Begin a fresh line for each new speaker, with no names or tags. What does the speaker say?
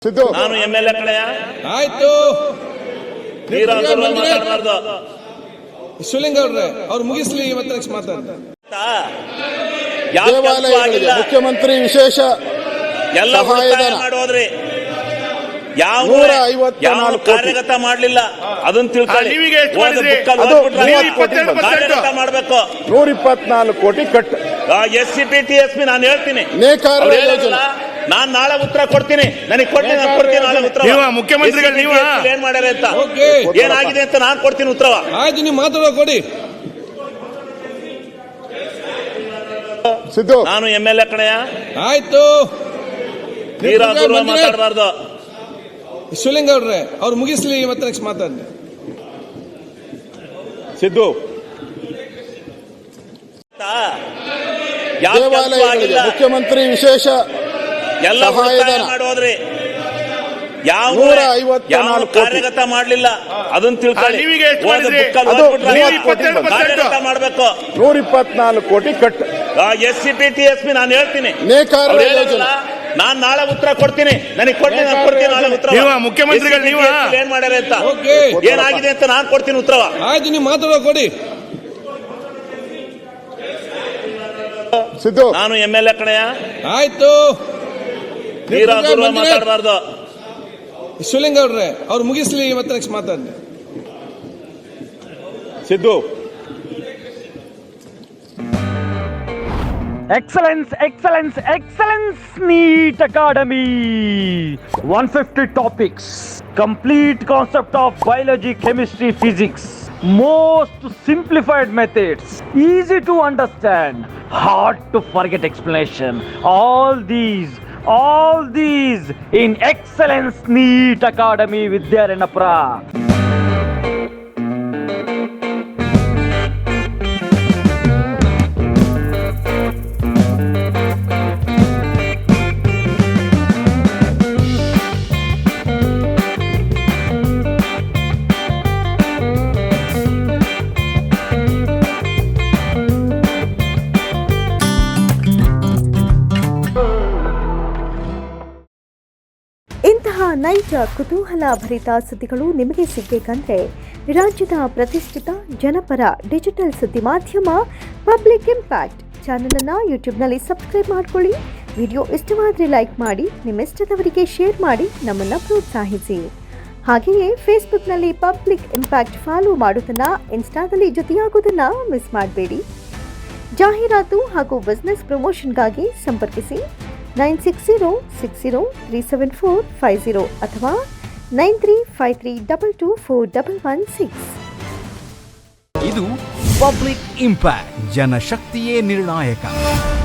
ಸಿದ್ದು
ನಾನು MLA ಕಡೆಯ
ಆಯ್ತು.
ಮಾತಾಡಬಾರ್ದು.
ಶಿವಲಿಂಗ ಅವ್ರೆ ಅವ್ರು ಮುಗಿಸ್ಲಿ, ಇವತ್ತು ನೆಕ್ಸ್ಟ್ ಮಾತಾಡ್ತಾರೆ.
ದೇವಾಲಯಗಳಿಗೆ ಮುಖ್ಯಮಂತ್ರಿ ವಿಶೇಷ
ಎಲ್ಲ
ಸಹಾಯಧನ
ಮಾಡೋದ್ರಿ. ಯಾವ
154 ಕೋಟಿ
ಕಾರ್ಯಗತ ಮಾಡ್ಲಿಲ್ಲ ಅದನ್ನ ತಿಳ್ಕೊಳ್ಳಿ. ಕಾರ್ಯಗತ ಮಾಡ್ಬೇಕು.
124 ಕೋಟಿ ಕಟ್.
SCP TSP ನಾನು ಹೇಳ್ತೀನಿ.
ನೇಕಾರ ಯೋಜನೆ
ನಾನ್ ನಾಳೆ ಉತ್ತರ ಕೊಡ್ತೀನಿ. ನನಗೆ ಕೊಡ್ತೀನಿ ನಾಳೆ ಉತ್ತರ.
ಮುಖ್ಯಮಂತ್ರಿಗಳು ನೀವು
ಏನ್ ಮಾಡ್ಯಾರ ಅಂತ,
ಓಕೆ,
ಏನಾಗಿದೆ ಅಂತ ನಾನ್ ಕೊಡ್ತೀನಿ ಉತ್ತರ.
ಆಯ್ತು, ನೀವು ಮಾತಾಡೋ ಕೊಡಿ.
ಸಿದ್ದು
ನಾನು MLA ಕಡೆಯ
ಆಯ್ತು.
ಮಾತಾಡಬಾರ್ದು.
ಶಿವಲಿಂಗ ಅವ್ರೆ ಅವ್ರು ಮುಗಿಸ್ಲಿ, ಇವತ್ತು ನೆಕ್ಸ್ಟ್ ಮಾತಾಡ್ತಾರೆ.
ಸಿದ್ದು ದೇವಾಲಯಗಳಿಗೆ ಮುಖ್ಯಮಂತ್ರಿ ವಿಶೇಷ
ಎಲ್ಲ
ಸಹಾಯಧನ
ಮಾಡೋದ್ರಿ. ಯಾವ
154 ಕೋಟಿ
ಕಾರ್ಯಗತ ಮಾಡ್ಲಿಲ್ಲ ಅದನ್ನ ತಿಳ್ಕೊಳ್ಳಿ. ಕಾರ್ಯಗತ ಮಾಡ್ಬೇಕು.
124 ಕೋಟಿ ಕಟ್.
SCP TSP ನಾನು ಹೇಳ್ತೀನಿ.
ನೇಕಾರ ಯೋಜನೆ
ನಾನ್ ನಾಳೆ ಉತ್ತರ ಕೊಡ್ತೀನಿ. ನನಗೆ ಕೊಡ್ತೀನಿ ನಾಳೆ ಉತ್ತರ.
ಮುಖ್ಯಮಂತ್ರಿಗಳು ನೀವು
ಏನ್ ಮಾಡ್ಯಾರ ಅಂತ,
ಓಕೆ,
ಏನಾಗಿದೆ ಅಂತ ನಾನ್ ಕೊಡ್ತೀನಿ ಉತ್ತರ.
ಆಯ್ತು, ನೀವು ಮಾತಾಡೋ ಕೊಡಿ.
ಸಿದ್ದು
ನಾನು MLA ಕಡೆಯ
ಆಯ್ತು.
ಮಾತಾಡಬಾರ್ದು.
ಶಿವಲಿಂಗ ಅವ್ರೆ ಅವ್ರು ಮುಗಿಸ್ಲಿ, ಇವತ್ತು ನೆಕ್ಸ್ಟ್ ಮಾತಾಡ್ತಾರೆ.
Siddu
Excellence, excellence, excellence, NEET Academy. 150 topics, complete concept of biology, chemistry, physics. Most simplified methods, easy to understand, hard to forget explanation. All these in Excellence NEET Academy Vidyaranapura.
ಇಂತಹ ನೈಜ ಕುತೂಹಲ ಭರಿತ ಸುದ್ದಿಗಳು ನಿಮಗೆ ಸಿಗಬೇಕಂದ್ರೆ ರಾಜ್ಯದ ಪ್ರತಿಷ್ಠಿತ ಜನಪರ ಡಿಜಿಟಲ್ ಸುದ್ದಿ ಮಾಧ್ಯಮ ಪಬ್ಲಿಕ್ ಇಂಪ್ಯಾಕ್ಟ್ ಚಾನಲನ್ನು ಯೂಟ್ಯೂಬ್ನಲ್ಲಿ ಸಬ್ಸ್ಕ್ರೈಬ್ ಮಾಡ್ಕೊಳ್ಳಿ. ವಿಡಿಯೋ ಇಷ್ಟವಾದರೆ ಲೈಕ್ ಮಾಡಿ, ನಿಮ್ಮಿಷ್ಟದವರಿಗೆ ಶೇರ್ ಮಾಡಿ ನಮ್ಮನ್ನು ಪ್ರೋತ್ಸಾಹಿಸಿ. ಹಾಗೆಯೇ ಫೇಸ್ಬುಕ್ನಲ್ಲಿ ಪಬ್ಲಿಕ್ ಇಂಪ್ಯಾಕ್ಟ್ ಫಾಲೋ ಮಾಡೋದನ್ನು, ಇನ್ಸ್ಟಾದಲ್ಲಿ ಜೊತೆಯಾಗೋದನ್ನು ಮಿಸ್ ಮಾಡಬೇಡಿ. ಜಾಹೀರಾತು ಹಾಗೂ ಬಿಸ್ನೆಸ್ ಪ್ರಮೋಷನ್ಗಾಗಿ ಸಂಪರ್ಕಿಸಿ 9606037450 ಅಥವಾ 9353224116.
ಇದು ಪಬ್ಲಿಕ್ ಇಂಪ್ಯಾಕ್ಟ್, ಜನಶಕ್ತಿಯೇ ನಿರ್ಣಾಯಕ.